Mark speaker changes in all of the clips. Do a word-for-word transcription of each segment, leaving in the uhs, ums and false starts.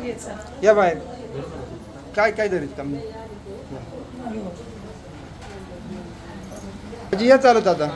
Speaker 1: या बाहेर काय काय धरीत का मी आजी या चालत आता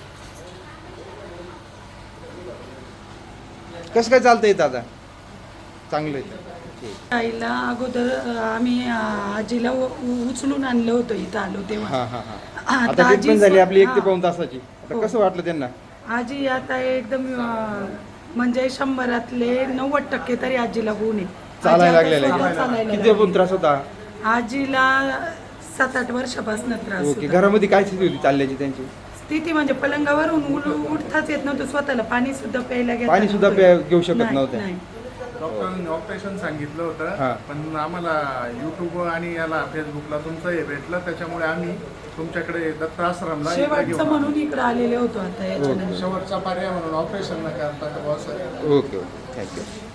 Speaker 1: कसं काय चालतं येत आता चांगलं आहे
Speaker 2: आईला अगोदर आम्ही आजीला उ- उचलून आणलं होतं इथं आलो तेव्हा.
Speaker 1: हां हां हां
Speaker 2: आता
Speaker 1: आता
Speaker 2: आजी
Speaker 1: ट्रीटमेंट झाली आपली एक ते
Speaker 2: हां.
Speaker 1: पाऊण तासाची आता
Speaker 2: हो.
Speaker 1: कसं वाटलं त्यांना
Speaker 2: आजी आता एकदम अं, म्हणजे शंभरातले नव्वद टक्के तरी आजीला गुण आहे. आजी
Speaker 1: चालायला
Speaker 2: आता
Speaker 1: लागलेलं
Speaker 2: स्वतः
Speaker 1: आहे
Speaker 2: चालायला
Speaker 1: किती पण
Speaker 2: लागली.
Speaker 1: त्रास होता
Speaker 2: आजीला सात आठ वर्षापासून त्रास
Speaker 1: ओके
Speaker 2: होता.
Speaker 1: घरामध्ये काय स्थिती होती चालल्याची त्यांची
Speaker 2: स्थिती म्हणजे पलंगावरून उल- उठताच येत नव्हतं स्वतःला पाणी सुद्धा प्यायला घेता
Speaker 1: पाणी सुद्धा
Speaker 2: नव्हतं.
Speaker 1: प्या- घेऊ शकत
Speaker 2: नाही,
Speaker 1: नव्हते.
Speaker 2: नाही.
Speaker 3: डॉक्टरांनी ऑपरेशन सांगितलं
Speaker 1: हा.
Speaker 3: होतं पण आम्हाला युट्यूब आणि याला फेसबुकला तुमचं हे भेटलं त्याच्यामुळे आम्ही तुमच्याकडे दत्त आश्रमला इकडे
Speaker 2: शेवटचं
Speaker 3: घेऊन
Speaker 2: म्हणून इकडे आलेले होतो आता याच्यानंतर.
Speaker 3: शेवटचा पर्याय म्हणून ऑपरेशन न करता
Speaker 1: ओके ओके थँक्यू